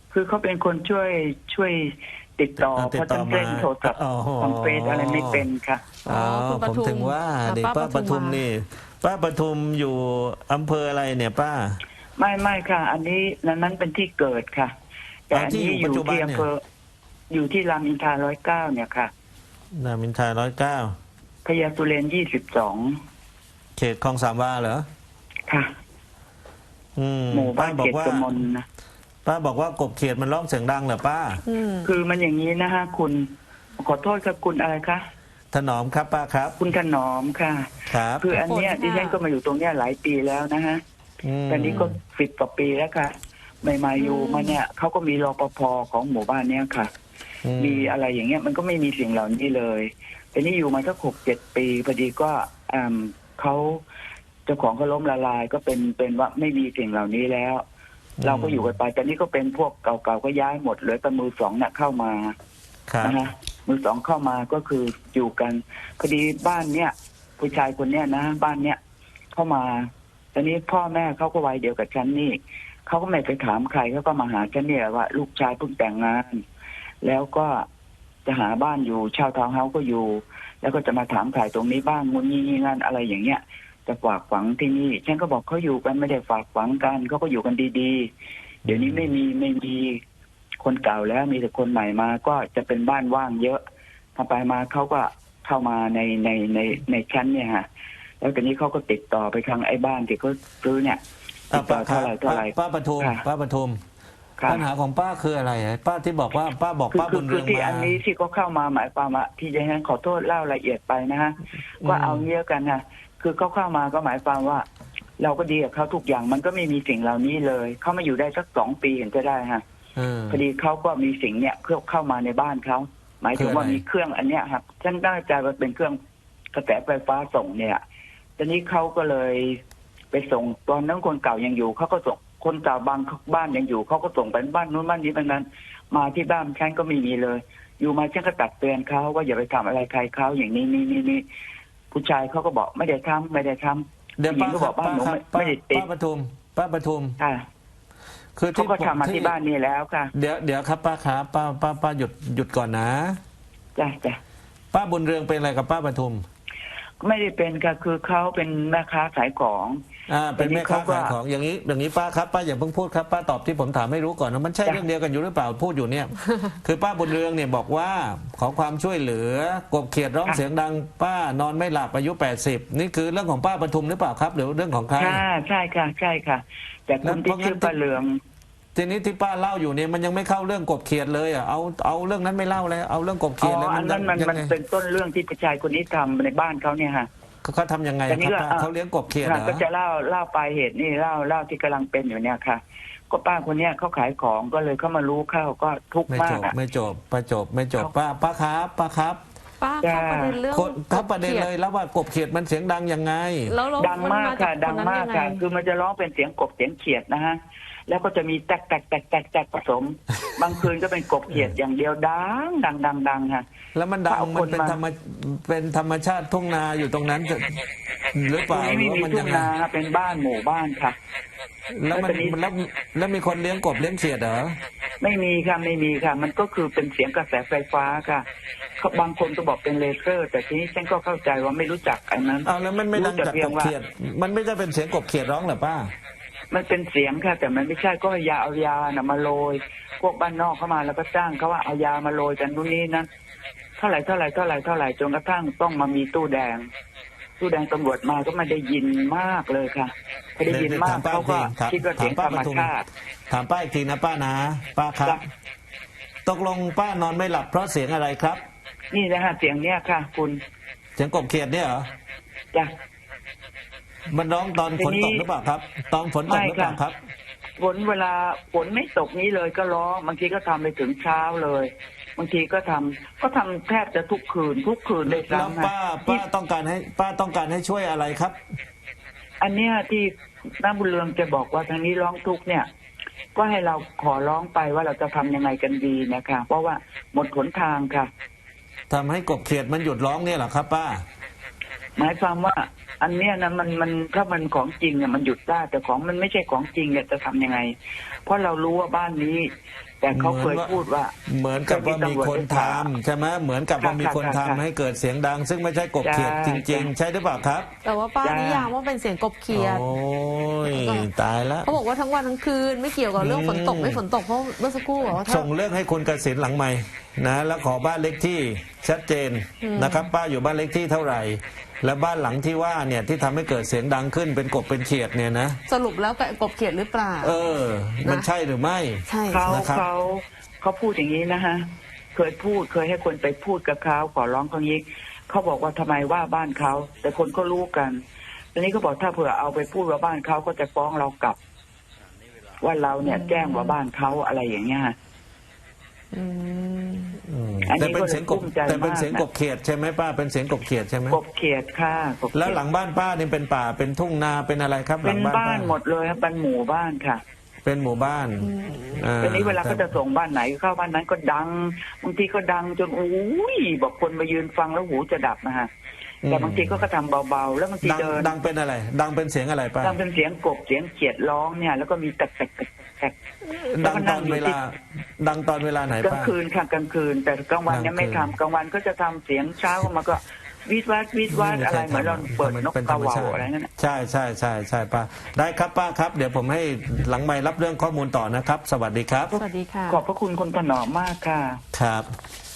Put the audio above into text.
คือเขาเป็นคนช่วยติดต่อเพราะท่านเล่นโทรศัพท์ของเฟซอะไรไม่เป็นค่ะอ๋อผมถึงว่านี่ป้าปทุมนี่ป้าปทุมอยู่อำเภออะไรเนี่ยป้าไม่ค่ะ อันนี้นั้นเป็นที่เกิดค่ะแต่อันนี้อยู่ที่อำเภออยู่ที่รามอินทรา109เนี่ยค่ะรามอินทรา109 พญาสุเรน22 เขตคลองสามวาเหรอค่ะหมู่บ้านเขตกมลนะป้าบอกว่ากบเขียดมันร้องเสียงดังเหรอป้าคือมันอย่างนี้นะฮะคุณขอโทษครับคุณอะไรคะถนอมครับป้าครับคุณถนอมค่ะครับคืออันเนี้ยดิฉันก็มาอยู่ตรงเนี้ยหลายปีแล้วนะฮะตอนนี้ก็10 กว่าปีแล้วค่ะใหม่ๆอยู่มาเนี่ยเขาก็มีรปภของหมู่บ้านเนี้ยค่ะมีอะไรอย่างเงี้ยมันก็ไม่มีสิ่งเหล่านี้เลยแต่นี่อยู่มาสัก6-7 ปีพอดีก็เขาเจ้าของเขาล้มละลายก็เป็นว่าไม่มีสิ่งเหล่านี้แล้วเราก็อยู่กันไปแต่นี่ก็เป็นพวกเก่าๆก็ย้ายหมดเหลือแต่มือสองเนี่ยเข้ามานะฮะมือสองเข้ามาก็คืออยู่กันพอดีบ้านเนี่ยผู้ชายคนเนี้ยนะบ้านเนี้ยเข้ามาตอนนี้พ่อแม่เขาก็วัยเดียวกับฉันนี่เขาก็ไม่ไปถามใครเขาก็มาหาฉันเนี่ยว่าลูกชายเพิ่งแต่งงานแล้วก็จะหาบ้านอยู่เช่าทาวน์เฮาส์ก็อยู่แล้วก็จะมาถามถ่ายตรงนี้บ้างงุนงี้งานอะไรอย่างเงี้ยจะฝากฝังที่นี่ฉันก็บอกเขาอยู่กันไม่ได้ฝากฝังกันเขาก็อยู่กันดีๆเดี๋ยวนี้ไม่มีคนเก่าแล้วมีแต่คนใหม่มาก็จะเป็นบ้านว่างเยอะทำไปมาเขาก็เข้ามาในชั้นเนี่ยฮะแล้วตอนนี้เขาก็ติดต่อไปทางไอ้บ้านที่เขาซื้อเนี่ยติดต่อเท่าไหร่ป้าปทุมปัญหาของป้าคืออะไรป้าที่บอกว่าป้าบอกป้าบุญเรืองมาที่อันนี้ที่เขาเข้ามาหมายความว่าที่จะให้ขอโทษเล่าละเอียดไปนะฮะก็เอาเงี้ยกันนะคือเขาเข้ามาก็หมายความว่าเราก็ดีกับเขาทุกอย่างมันก็ไม่มีสิ่งเหล่านี้เลยเขามาอยู่ได้สัก2 ปีเห็นจะได้ฮะพอดีเขาก็มีสิ่งเนี้ยเข้ามาในบ้านเขาหมายถึงว่ามีเครื่องอันเนี้ยครับฉันตั้งใจว่าเป็นเครื่องกระแสไฟฟ้าส่งเนี่ยตอนนี้เขาก็เลยไปส่งตอนนั้นคนเก่ายังอยู่เขาก็ส่งคนเก่าบางบ้านยังอยู่เขาก็ส่งไปบ้านนู้นบ้านนี้บ้านนั้นมาที่บ้านฉันก็ไม่มีเลยอยู่มาฉันก็ตักเตือนเขาว่าอย่าไปทำอะไรใครเขาอย่างนี้ผู้ชายเขาก็บอกไม่ได้ทำเดี๋ยวป้าก็บอกบ้านหนูไม่ได้ติดป้าปทุมค่ะคือเขาก็ทำมาที่บ้านนี้แล้วค่ะเดี๋ยวครับป้าครับป้าหยุดก่อนนะจ้ะป้าบุญเรืองเป็นอะไรกับป้าปทุมไม่ได้เป็นค่ะคือเขาเป็นแม่ค้าขายของเป็นแม่ค้าขายของอย่างนี้ป้าครับป้าอย่าเพิ่งพูดครับป้าตอบที่ผมถามให้รู้ก่อนนะมันใช่เรื่องเดียวกันอยู่หรือเปล่าพูดอยู่เนี่ยคือป้าบุญเรืองเนี่ยบอกว่าขอความช่วยเหลือกบเขียดร้องเสียงดังป้านอนไม่หลับอายุ80นี่คือเรื่องของป้าปทุมหรือเปล่าครับหรือเรื่องของใครใช่ค่ะแต่คนที่ชื่อป้าเรืองทีนี้ที่ป้าเล่าอยู่เนี่ยมันยังไม่เข้าเรื่องกบเขียดเลยเอาเรื่องนั้นไม่เล่าเลยเอาเรื่องกบเขียดแล้วมันเป็นต้นเรื่องที่ผู้ชายคนนี้ทำในบ้านเขาเนี่ยฮะเขาทำยังไงครับเขาเลี้ยงกบเขียดเหรอก็จะเล่าปลายเหตุนี่เล่าที่กำลังเป็นอยู่เนี่ยค่ะก็ป้าคนเนี้ยเขาขายของก็เลยเขามารู้เข้าก็ทุกข์มากไม่จบป้าครับป้าครับประเด็นเรื่องประเด็นเลยแล้วว่ากบเขียดมันเสียงดังยังไงดังมากค่ะคือมันจะร้องเป็นเสียงกบเสียงเขียดนะฮะแล้วก็จะมีแตกผสมบางคืนก็เป็นกบเขียดอย่างเดียวดังค่ะแล้วมันดังมันเป็นธรรมชาติทุ่งนาอยู่ตรงนั้นหรือเปล่าไม่มีทุ่งนาเป็นบ้านหมู่บ้านค่ะแล้วมีคนเลี้ยงกบเลี้ยงเขียดเหรอไม่มีค่ะมันก็คือเป็นเสียงกระแสไฟฟ้าค่ะบางคนก็บอกเป็นเลเซอร์แต่ทีนี้ฉันก็เข้าใจว่าไม่รู้จักอันนั้นแล้วมันไม่ดังจากกบเขียดมันไม่ใช่เป็นเสียงกบเขียดร้องเหรอป้ามันเป็นเสียงค่ะแต่มันไม่ใช่ก็เอายามาโรยพวกบ้านนอกเข้ามาแล้วก็จ้างเขาว่าเอายามาโรยกันนู่นนี่นั่นเท่าไหร่จนกระทั่งต้องมามีตู้แดงตำรวจมาก็ไม่ได้ยินมากเลยค่ะไม่ได้ยินมากเขาก็คิดว่าเสียงธรรมชาติถามป้าอีกทีนะป้านะป้าครับตกลงป้านอนไม่หลับเพราะเสียงอะไรครับนี่นะฮะเสียงเนี้ยค่ะคุณเสียงกบเขียดเนี่ยเหรอจ้ะมันร้องตอนฝนตกหรือเปล่าครับตอนฝนตกหรือเปล่าครับเวลาฝนไม่ตกนี้เลยก็ร้องบางทีก็ทำไปถึงเช้าเลยบางทีก็ทำแทบจะทุกคืนเลยแล้วป้าต้องการให้ช่วยอะไรครับอันเนี้ยที่น้าบุญเรืองจะบอกว่าทางนี้ร้องทุกเนี่ยก็ให้เราขอร้องไปว่าเราจะทำยังไงกันดีนะคะเพราะว่าหมดหนทางค่ะทำให้กบเขียดมันหยุดร้องเนี่ยเหรอครับป้าหมายความว่าอันเนี้ยนะมันถ้ามันของจริงเนี่ยมันหยุดได้แต่ของมันไม่ใช่ของจริงเนี่ยจะทำยังไงเพราะเรารู้ว่าบ้านนี้แต่เขาเคยพูดว่าเหมือนกับว่ามีคนทำใช่ไหมเหมือนกับว่ามีคนทำให้เกิดเสียงดัง ซึ่งไม่ใช่กบเขียดจริง ๆ ใช่หรือเปล่าครับแต่ว่าป้านิยามว่าเป็นเสียงกบเขียดโอ้ยตายแล้วเขาบอกว่าทั้งวันทั้งคืนไม่เกี่ยวกับเรื่องฝนตกไม่ฝนตกเพราะเมื่อสักครู่บอกว่าถ้าส่งเรื่องให้คุณกสิณหลังใหม่นะแล้วขอบ้านเลขที่ชัดเจนนะครับ ป้าอยู่บ้านเลขที่เท่าไหร่ และบ้านหลังที่ว่าเนี่ยที่ทำให้เกิดเสียงดังขึ้นเป็นกบเป็นเขียดเนี่ยนะสรุปแล้วกบเขียดหรือเปล่ามันใช่หรือไม่ใช่เขานะครับเขาพูดอย่างนี้นะฮะเคยให้คนไปพูดกับเขาขอร้องเขายิกเขาบอกว่าทำไมว่าบ้านเขาแต่คนก็รู้กันทีนี้เขาบอกถ้าเผื่อเอาไปพูดว่าบ้านเขาก็จะฟ้องเรากลับ ว่าเราเนี่ยแจ้งว่าบ้านเขาอะไรอย่างเงี้ยอืมอันแต่นี้เป็นก็เลเสียยงกกุ้บมใจแต่เป็นมากเสียงกบนะเขียดใช่ไหมป้าเป็นเสียงกบเขียดใช่ไหมกบเขียดค่ะกบเขียดแล้วหลังบ้านป้านี่เป็นป่าเป็นทุ่งนาเป็นอะไรครับหเป็ลันงบ้านบ้าป้านหมดเลยครับเป็นหมู่บ้านค่ะเป็นหมู่บ้านทีนี้เวลาเขาจะส่งบ้านไหนเข้าบ้านนั้นก็ดังบางทีก็ดังจนอุ้ยบอกคนมายืนฟังแล้วหูจะดับนะฮะแต่บางทีก็ทำเบาๆแล้วบางทีเดินดังเป็นอะไร ดังเป็นเสียงอะไรป้าดังเป็นเสียงกบเสียงเขียดร้องเนี่ยแล้วก็มีแตกๆดังตอนเวลา ดังตอนเวลาไหนกลางป้าคืนค่ะกลางคืน แต่กลางวันเนี่ยไม่ทำกลางวันก็จะทำเสียงเช้ามาก็วิดวัดอะไรเหมือนเราเปิดนกกระเหว่าอะไรนั่นใช่ป้าได้ครับป้าครับ เดี๋ยวผมให้หลังไมค์รับเรื่องข้อมูลต่อนะครับ สวัสดีครับสวัสดีค่ะขอบพระคุณคนถนอมมากค่ะครับ